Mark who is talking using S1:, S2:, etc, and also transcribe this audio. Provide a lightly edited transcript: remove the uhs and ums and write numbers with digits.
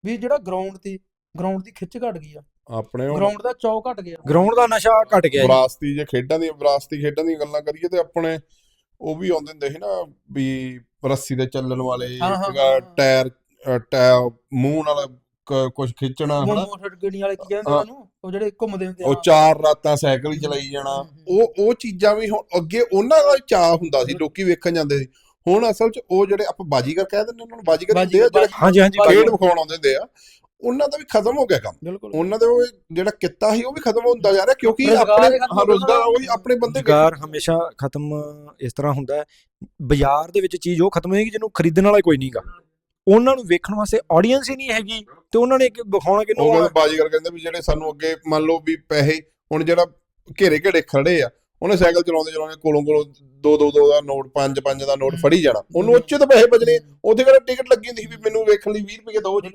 S1: ਵੀ ਜਿਹੜਾ ਗਰਾਊਂਡ ਦੀ ਖਿੱਚ ਘਟ ਗਈ ਆ,
S2: ਆਪਣੇ
S1: ਗਰਾਊਂਡ ਦਾ ਚੌ ਘਟ ਗਿਆ,
S3: ਗਰਾਊਂਡ ਦਾ ਨਸ਼ਾ ਘਟ ਗਿਆ ਜੀ।
S2: ਵਿਰਾਸਤੀ ਖੇਡਾਂ ਦੀਆਂ ਗੱਲਾਂ ਕਰੀਏ ਤੇ ਆਪਣੇ ਉਹ ਵੀ ਆਉਂਦੇ ਹੁੰਦੇ ਸੀ ਨਾ ਵੀ ਰੱਸੀ ਤੇ ਚੱਲਣ ਵਾਲੇ, ਟਾਇਰ ਮੂੰਹ ਨਾਲ ਕੁਝ ਖਿੱਚਣਾ,
S1: ਮੋਟਰਸਾਈਕਲ ਵਾਲੇ ਕੀ ਕਹਿੰਦੇ ਉਹਨੂੰ, ਉਹ ਜਿਹੜੇ ਘੁੰਮਦੇ ਹੁੰਦੇ,
S2: ਉਹ 4 ਰਾਤਾਂ ਸਾਈਕਲ ਹੀ ਚਲਾਈ ਜਾਣਾ, ਉਹ ਚੀਜ਼ਾਂ ਵੀ ਹੁਣ ਅੱਗੇ ਉਹਨਾਂ ਦਾ ਚਾਅ ਹੁੰਦਾ ਸੀ, ਲੋਕੀ ਵੇਖਣ ਜਾਂਦੇ ਸੀ। ਹੁਣ ਅਸਲ 'ਚ ਉਹ ਜਿਹੜੇ ਆਪਾਂ ਬਾਜੀਗਰ ਕਹਿ ਦਿੰਦੇ ਉਹਨਾਂ ਨੂੰ, ਬਾਜੀਗਰ ਹੁੰਦੇ ਆ ਜਿਹੜੇ ਖੇਡ ਵਿਖਾਉਣ ਆਉਂਦੇ ਹੁੰਦੇ ਆ, ਉਹਨਾਂ ਦਾ ਵੀ ਖਤਮ ਹੋ ਗਿਆ ਕੰਮ। ਉਹਨਾਂ ਦਾ ਉਹ ਜਿਹੜਾ ਕਿੱਤਾ ਸੀ ਉਹ ਵੀ ਖਤਮ ਹੁੰਦਾ ਜਾ ਰਿਹਾ, ਕਿਉਂਕਿ ਆਪਣੇ ਰੋਜ਼ਗਾਰ ਉਹੀ ਆਪਣੇ ਬੰਦੇ
S3: ਹਮੇਸ਼ਾ ਖਤਮ ਇਸ ਤਰ੍ਹਾਂ ਹੁੰਦਾ ਹੈ। ਬਾਜ਼ਾਰ ਦੇ ਵਿੱਚ ਚੀਜ਼ ਉਹ ਖਤਮ ਹੋਏਗੀ ਜਿਹਨੂੰ ਖਰੀਦਣ ਵਾਲਾ ਕੋਈ ਨਹੀਂਗਾ, ਉਹਨਾਂ ਨੂੰ ਵੇਖਣ ਵਾਸਤੇ ਆਡੀਅנס ਹੀ ਨਹੀਂ ਹੈਗੀ, ਤੇ ਉਹਨਾਂ ਨੇ ਵਿਖਾਉਣਾ ਕਿਹਨੂੰ।
S2: ਬਾਜੀਗਰ ਕਹਿੰਦੇ ਵੀ ਜਿਹੜੇ ਸਾਨੂੰ ਅੱਗੇ ਮੰਨ ਲਓ ਵੀ ਪੈਸੇ, ਹੁਣ ਜਿਹੜਾ ਘੇਰੇ ਖੜੇ ਆ, ਉਹਨੇ ਸਾਈਕਲ ਚਲਾਉਂਦੇ ਕੋਲੋਂ 2 ਦਾ ਨੋਟ, 5 ਦਾ ਨੋਟ ਫੜੀ ਜਾਣਾ, ਉਹਨੂੰ ਉੱਚੇ ਤੋਂ ਪੈਸੇ ਬਚਣੇ। ਉੱਥੇ ਕਿਹੜਾ ਟਿਕਟ ਲੱਗੀ ਹੁੰਦੀ ਸੀ ਵੀ ਮੈਨੂੰ ਵੇਖਣ ਲਈ 20 ਰੁਪਏ ਦਿਓ ਜੀ,